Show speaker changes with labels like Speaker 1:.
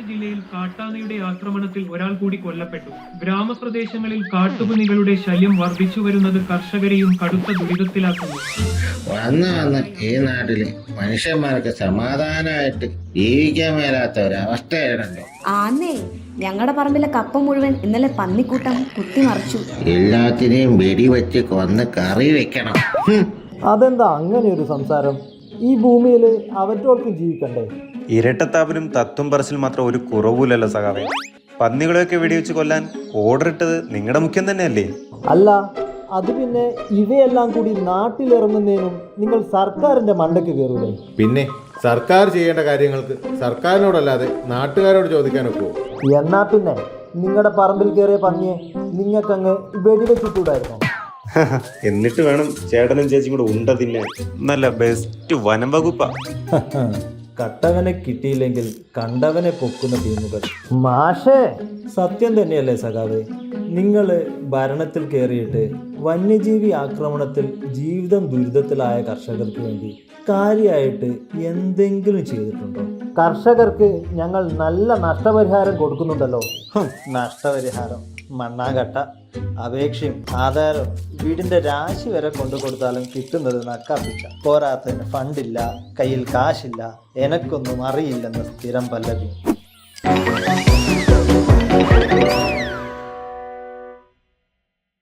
Speaker 1: ജില്ലയിൽ കാട്ടാനയുടെ ആക്രമണത്തിൽ ഒരാൾ കൂടി കൊല്ലപ്പെട്ടു. ഗ്രാമപ്രദേശങ്ങളിൽ കാട്ടുപന്നികളുടെ ശല്യം വർദ്ധിച്ചു വരുന്നത് കർഷകരെയും കടുത്ത ദുരിതത്തിലാക്കുന്നു.
Speaker 2: വന്ന് ഈ നാട്ടില് മനുഷ്യന്മാർക്ക് സമാധാനമായിട്ട് ജീവിക്കാൻ മേലാത്ത ഒരവസ്ഥയാണല്ലോ.
Speaker 3: ആന്നേ, ഞങ്ങളുടെ പറമ്പിലെ കപ്പ മുഴുവൻ ഇന്നലെ പന്നിക്കൂട്ടം കുത്തിമറിച്ചു.
Speaker 2: എല്ലാത്തിനെയും വെടിവെച്ച് കൊന്ന് കറി വെക്കണം.
Speaker 4: അതെന്താ അങ്ങനെ ഒരു സംസാരം? ഈ ഭൂമിയിൽ അവറ്റോർക്കും ജീവിക്കണ്ടേ?
Speaker 5: ഇരട്ടത്താപ്പിനും തത്തും പറച്ചിൽ മാത്രം ഒരു കുറവുമില്ലല്ലോ സഖാവേ. പന്നികളെയൊക്കെ വെടിവെച്ച് കൊല്ലാൻ ഓർഡർ ഇട്ടത് നിങ്ങളുടെ മുഖ്യം തന്നെയല്ലേ?
Speaker 4: അല്ല, അത് പിന്നെ ഇവയെല്ലാം കൂടി നാട്ടിലിറങ്ങുന്നതിനും നിങ്ങൾ സർക്കാരിന്റെ മണ്ടയ്ക്ക് കയറൂലേ?
Speaker 6: പിന്നെ സർക്കാർ ചെയ്യേണ്ട കാര്യങ്ങൾക്ക് സർക്കാരിനോടല്ലാതെ നാട്ടുകാരോട് ചോദിക്കാൻ ഒക്കുമോ?
Speaker 4: എന്നാ പിന്നെ നിങ്ങളുടെ പറമ്പിൽ കയറിയ പന്നിയെ നിങ്ങൾക്കങ്ങ് വെടിവെച്ചിട്ടൂടായിരുന്നോ?
Speaker 5: എന്നിട്ട് വേണം ചേട്ടനും ചേച്ചിയും കൂടെ ഉണ്ട തിന്നാൻ. നല്ല ബെസ്റ്റ് വനം വകുപ്പാ.
Speaker 4: കട്ടവനെ കിട്ടിയില്ലെങ്കിൽ കണ്ടവനെ പൊക്കുന്ന ടീമുകൾ. മാഷേ, സത്യം തന്നെയല്ലേ സഖാവേ? നിങ്ങൾ ഭരണത്തിൽ കയറിയിട്ട് വന്യജീവി ആക്രമണത്തിൽ ജീവിതം ദുരിതത്തിലായ കർഷകർക്ക് വേണ്ടി കാര്യമായിട്ട് എന്തെങ്കിലും ചെയ്തിട്ടുണ്ടോ? കർഷകർക്ക് ഞങ്ങൾ നല്ല നഷ്ടപരിഹാരം കൊടുക്കുന്നുണ്ടല്ലോ. നഷ്ടപരിഹാരം, മണ്ണാങ്കട്ട, അപേക്ഷയും ആധാരവും വീടിന്റെ രാശി വരെ കൊണ്ടു കൊടുത്താലും കിട്ടുന്നത് നക്കാപ്പിച്ച. പോരാത്തതിന് ഫണ്ടില്ല, കയ്യിൽ കാശില്ല, എനക്കൊന്നും അറിയില്ലെന്ന് സ്ഥിരം പല്ലവി.